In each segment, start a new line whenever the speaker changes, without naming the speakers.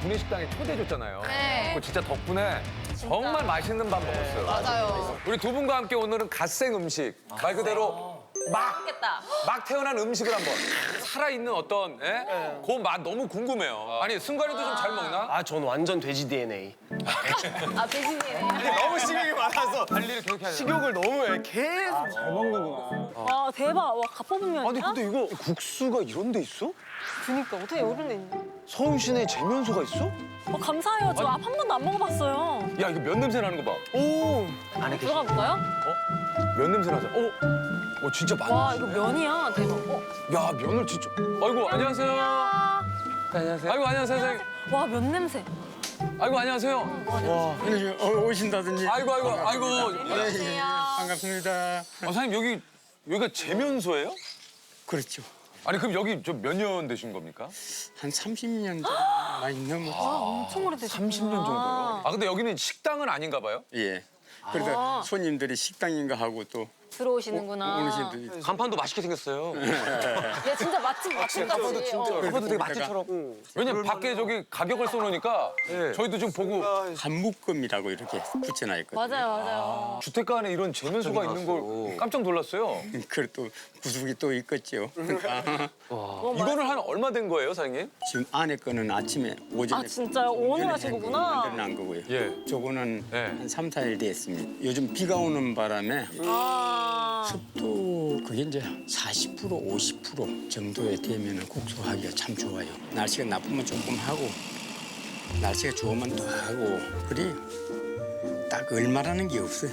구내식당에 초대해줬잖아요.
네.
그 진짜 덕분에 정말 맛있는 밥 먹었어요.
맞아요.
우리 두 분과 함께 오늘은 갓생 음식, 말 그대로
맛있겠다.
막 태어난 음식을 한번 살아있는 어떤 그 맛 너무 궁금해요. 아니 승관이도 좀 잘 먹나?
아, 전 완전 돼지 DNA.
아, 돼지네요.
너무 식욕이 많아서
관리를 그렇게 하죠.
식욕을 너무 해. 계속. 잘 먹는구나.
와 대박. 와 갓퍼분면이야?
아니 근데 이거 국수가 이런 데 있어?
그니까 어떻게 이런 데 있냐?
서울 시내에 재면소가 있어?
감사해요. 저 앞 한 번도 안 먹어봤어요.
야 이거 면 냄새 나는 거 봐.
오. 안에
들어가 볼까요?
면 냄새 나잖아. 진짜 많아.
와 이거 면이야. 대박.
야 면을 진짜. 아이고 안녕하세요.
안녕하세요.
아이고 안녕하세요 선생님.
와 면 냄새.
아이고 안녕하세요.
오신다든지.
아이고
예, 반갑습니다.
선생님 여기가 재면소예요?
그렇죠.
아니 그럼 여기 좀 몇 년 되신 겁니까?
한 30년 많이 넘었죠.
엄청 오래되셨구나.
30년 정도요. 아 근데 여기는 식당은 아닌가 봐요?
예. 그래서 손님들이 식당인가 하고 또
들어오시는구나.
오는 분들이
간판도 맛있게 생겼어요.
야 진짜 맛집 같이.
그것도 되게 맛집처럼.
왜냐면 밖에 저기 가격을 써놓으니까 저희도 좀 보고
한묶음이라고 이렇게 붙여놔 있거든요.
맞아요.
주택가 안에 이런 재면소가 있는 걸 깜짝 놀랐어요.
그리고 또 구석이 또 있겠죠.
이거는 한 얼마 된 거예요, 사장님?
지금 안에 거는 아침에 오전에
아 진짜요? 오늘 하신 거구나.
만들어난 거고요.
예.
저거는
네.
한 3, 4일 됐습니다. 요즘 비가 오는 바람에
아.
습도 그게 이제 40% 50% 정도에 되면 국수하기가 참 좋아요. 날씨가 나쁘면 조금 하고 날씨가 좋으면 또 하고 그래 딱 얼마라는 게 없어요.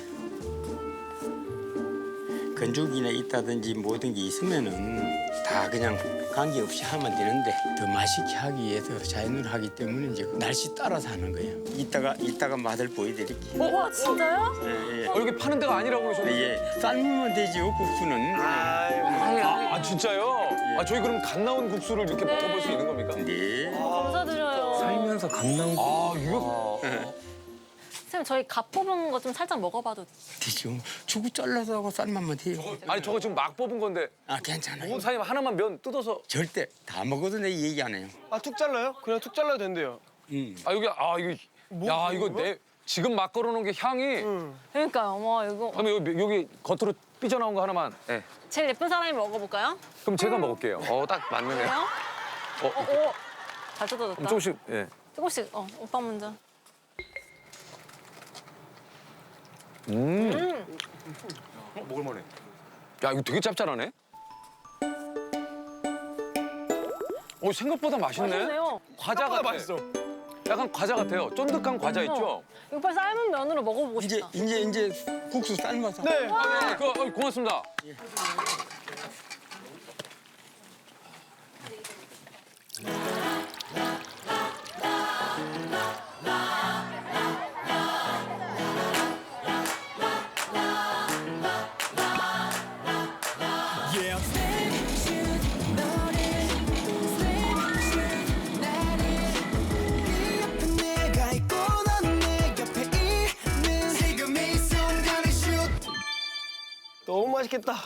건조기나 있다든지 모든 게 있으면은 다 그냥 관계없이 하면 되는데 더 맛있게 하기 위해서 자연으로 하기 때문에 이제 날씨 따라서 하는 거예요. 이따가 맛을 보여드릴게요.
와 진짜요?
예, 예.
여기 파는 데가 아니라고 그러셨는데.
예, 삶으면 되죠 국수는.
아, 진짜요? 아, 저희 그럼 갓 나온 국수를 이렇게 먹어볼 수 있는 겁니까?
네.
감사드려요.
살면서 감 나온
아, 이거
선생님 저희 갓 뽑은 거 좀 살짝 먹어봐도 돼요?
되죠. 주고 잘라서 하고 삶으면 돼요.
아니 저거 지금 막 뽑은 건데
아 괜찮아요.
사장님 하나만 면 뜯어서
절대 다 먹어도 내 얘기 안 해요.
아, 툭 잘라요? 그냥 툭 잘라도 된대요.
이거 지금 막 걸어놓은 게 향이
그러니까요. 와 이거
그러면 여기 겉으로 삐져나온 거 하나만
제일 예쁜 사람이 먹어볼까요?
그럼 제가 먹을게요. 딱 맞는 애.
그래요? 오. 잘 뜯어졌다.
그럼 조금씩
조금씩. 오빠 먼저.
먹을만해. 야 이거 되게 짭짤하네. 생각보다 맛있네.
맛있네요.
과자 같아.
맛있어.
약간 과자 같아요. 쫀득한 과자 있죠?
이거 빨리 삶은 면으로 먹어보고
이제
싶다.
이제 국수 삶아서.
네.
고맙습니다.
내가 있고 넌 내 옆에 있는 지금 이 순간의 슛
너무 맛있겠다.